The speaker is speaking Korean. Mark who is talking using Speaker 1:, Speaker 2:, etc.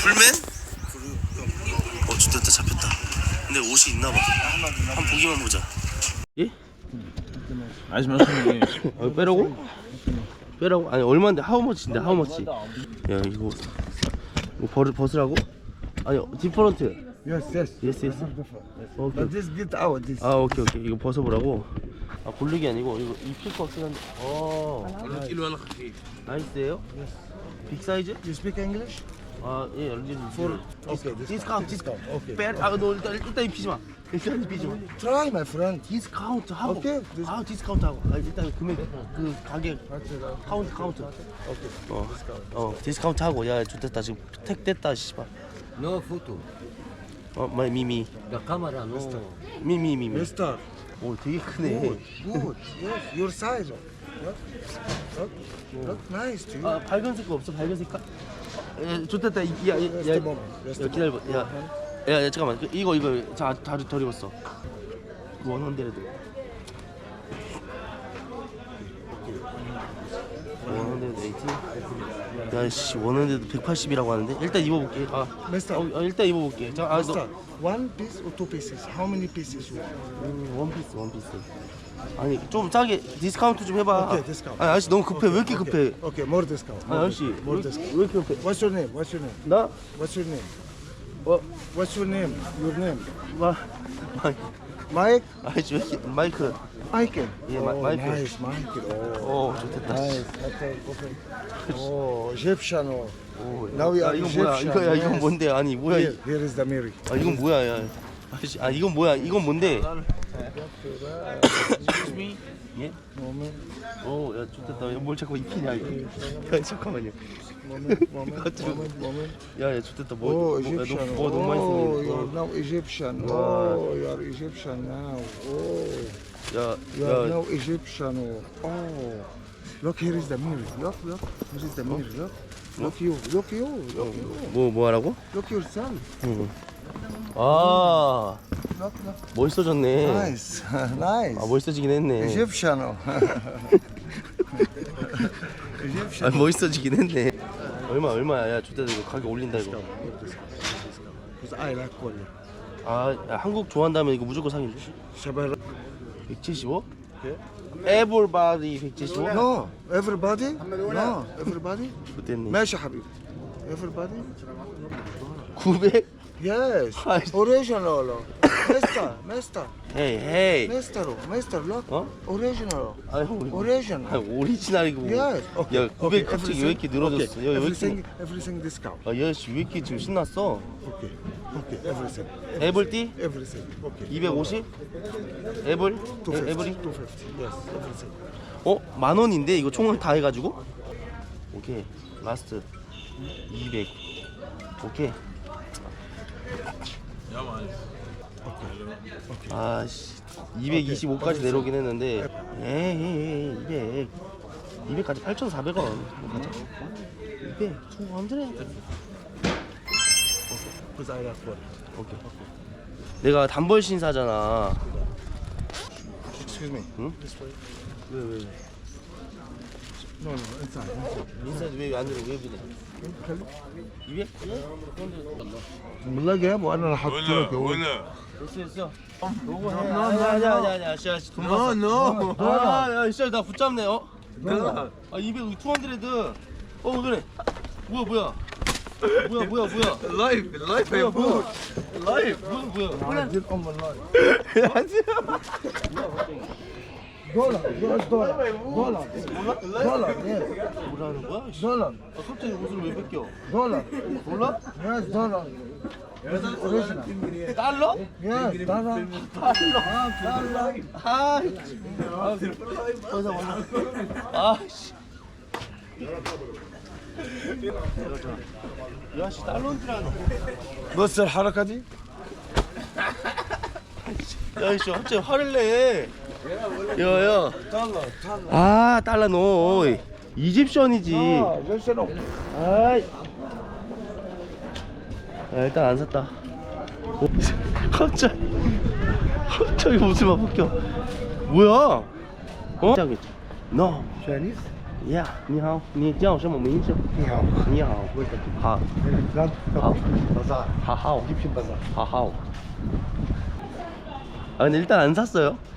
Speaker 1: 풀맨? 됐다 잡혔다. 근데 옷이 있나봐. 한번 보기만 보자. 예?
Speaker 2: عايز مثلا ايه؟
Speaker 1: 빼라고? 빼라고? 아니 얼마인데? 하우머치인데 하우머치? 야 이거 벗으라고? 아니 디퍼런트.
Speaker 3: Yes, yes.
Speaker 1: 예스 예스. 오케이.
Speaker 3: But this get out. This.
Speaker 1: 아 오케이 오케이. 이거 벗어보라고. 아 고르기 아니고 이거 입힐 거 없긴 한데.
Speaker 2: كيلو ولا خفيف؟
Speaker 1: 나이스예요? 빅 사이즈?
Speaker 3: You speak English?
Speaker 1: 아 예.
Speaker 3: For okay.
Speaker 1: 디스카운트 디스카운트.
Speaker 3: Okay.
Speaker 1: 너 일단 입히지 마. 일단 입히지 마.
Speaker 3: Try, my friend.
Speaker 1: 디스카운트 하고.
Speaker 3: 오케이.
Speaker 1: 아 디스카운트 하고. 아, 일단 금액 그 가격 카운트.
Speaker 3: Okay.
Speaker 1: 디스카운트 하고. 야 좋됐다 지금 택 됐다 씨발.
Speaker 4: No photo.
Speaker 1: 마이 미미.
Speaker 4: The camera, no.
Speaker 1: 미미.
Speaker 3: Mister.
Speaker 1: 오 되게 크네.
Speaker 3: Good. Good. Yes. Your size. Look. Look nice to you.
Speaker 1: 아 밝은색 거 없어? 밝은색 깔? 좋됐다.
Speaker 3: Just a moment. Just a
Speaker 1: 기다려봐. 야 잠깐만. 이거 다리 덜 입었어. 원헌데레드. 원헌데레드 80. 야씨 원헌데레드 180이라고 하는데 일단 입어볼게.
Speaker 3: Mister.
Speaker 1: 일단 입어볼게. 자,
Speaker 3: Mister. One piece or two pieces? How many pieces you want?
Speaker 1: 원피스. 아니 좀 싸게 디스카운트 좀 해봐.
Speaker 3: 오케이, 디스카운트.
Speaker 1: 아니 아저씨 너무 급해. 왜 이렇게 급해?
Speaker 3: Okay, more discount.
Speaker 1: 아니 아저씨
Speaker 3: more
Speaker 1: 왜
Speaker 3: discount.
Speaker 1: 이렇게 급해?
Speaker 3: What's your name? What's your name?
Speaker 1: 나?
Speaker 3: What's your name?
Speaker 1: 어?
Speaker 3: What's your name? Your name?
Speaker 1: 마이크.
Speaker 3: Mike?
Speaker 1: 아저씨 왜 이렇게 마이크.
Speaker 3: Michael.
Speaker 1: Yeah,
Speaker 3: oh,
Speaker 1: Michael.
Speaker 3: Nice, Michael. Oh,
Speaker 1: 좋겠다.
Speaker 3: nice. Okay, perfect. Oh, Egyptian. Oh. Now we
Speaker 1: 야
Speaker 3: are
Speaker 1: 이건 뭐야?
Speaker 3: Egyptian.
Speaker 1: 이건
Speaker 3: yes.
Speaker 1: 뭔데? 아니 뭐야?
Speaker 3: Here is the Mary.
Speaker 1: 아 이건 뭐야? 야. 아저씨 이건 뭐야? 이건 뭔데? 예?
Speaker 3: Moment,
Speaker 1: 야 좋겠다. 뭘 자꾸 입히냐 이거? 야 잠깐만요.
Speaker 3: moment.
Speaker 1: 야 좋겠다.
Speaker 3: Oh, Egyptian.
Speaker 1: 뭐 너무 많이
Speaker 3: Oh,
Speaker 1: 쓰네.
Speaker 3: you're now Egyptian. Oh, you are Egyptian now. Oh, you are
Speaker 1: 야.
Speaker 3: now Egyptian. Oh, look, here is the Mary. Look. Here is the Mary. Look you.
Speaker 1: 뭐 하라고?
Speaker 3: Look yourself.
Speaker 1: 아
Speaker 3: Look.
Speaker 1: 멋있어졌네.
Speaker 3: Nice, nice.
Speaker 1: 아 멋있어지긴 했네.
Speaker 3: Egyptian.
Speaker 1: 아 멋있어지긴 했네. 얼마야? 야 좋겠다. 이거 가격 올린다 이거.
Speaker 3: Because I like color.
Speaker 1: 야, 한국 좋아한다면 이거 무조건 상인데.
Speaker 3: Shabbat.
Speaker 1: 175? Everybody 175?
Speaker 3: No, everybody. No, everybody.
Speaker 1: 그때네.
Speaker 3: ماشي حبيبي. Everybody.
Speaker 1: 900?
Speaker 3: Yes.
Speaker 1: Nice.
Speaker 3: Original. Mister.
Speaker 1: 헤이.
Speaker 3: Mister, look.
Speaker 1: 어?
Speaker 3: Original.
Speaker 1: 아니 형
Speaker 3: Original.
Speaker 1: 오리지널이고.
Speaker 3: Yes.
Speaker 1: 야 900 갑자기 왜 이렇게 늘어졌어? 야, 왜 이렇게?
Speaker 3: Everything discount.
Speaker 1: 야씨 왜 이렇게 지금 신났어?
Speaker 3: Okay. Everything.
Speaker 1: 애블띠?
Speaker 3: Everything. Okay.
Speaker 1: 250? 애블?
Speaker 3: 250.
Speaker 1: 애블이?
Speaker 3: 250. Yes. Everything.
Speaker 1: 10,000원인데 이거 총을 다 해가지고? 오케이 라스트 200 오케이 아씨 225까지 내려오긴 했는데 에이 200까지 8,400원 가자 200 200
Speaker 3: Because I like color.
Speaker 1: 오케이 내가 단벌 신사잖아.
Speaker 3: Excuse me.
Speaker 1: 응?
Speaker 3: This way.
Speaker 1: 왜
Speaker 3: No, inside.
Speaker 1: 인사이드 왜안 들어 왜 그래 200?
Speaker 3: والله جاب وانا اللي حاطط لك
Speaker 1: 됐어 요거 해 아니야 씨 돈 받았어 야 씨 나 붙잡네 200 200 그래 뭐야
Speaker 2: اللايف يا ابوك اللايف
Speaker 1: 뭐야
Speaker 3: دي ام اللايف دولار يس
Speaker 1: 뭐라는 거야?
Speaker 3: دولار
Speaker 1: 갑자기 옷을 왜 뺏겨?
Speaker 3: دولار
Speaker 1: 몰라?
Speaker 3: يس دولار اوريجينال
Speaker 1: 달러?
Speaker 3: يس دولار
Speaker 1: 아씨 야씨 달러인 줄 아네
Speaker 3: بص الحركه دي
Speaker 1: 야씨 갑자기 화를 내 야야 달러 너 이집션이지
Speaker 3: جيشنو
Speaker 1: 아이 일단 안 샀다 갑자기 웃음만 바뀌어 뭐야? 어? 너
Speaker 3: Chinese
Speaker 1: Yeah，你好，你叫什么名字？
Speaker 3: 你好，
Speaker 1: 你好，好，
Speaker 3: 咱
Speaker 1: 好，
Speaker 3: 바사.
Speaker 1: 하하오,
Speaker 3: 디핀 바사.
Speaker 1: 하하오. 아 근데 일단 안 샀어요.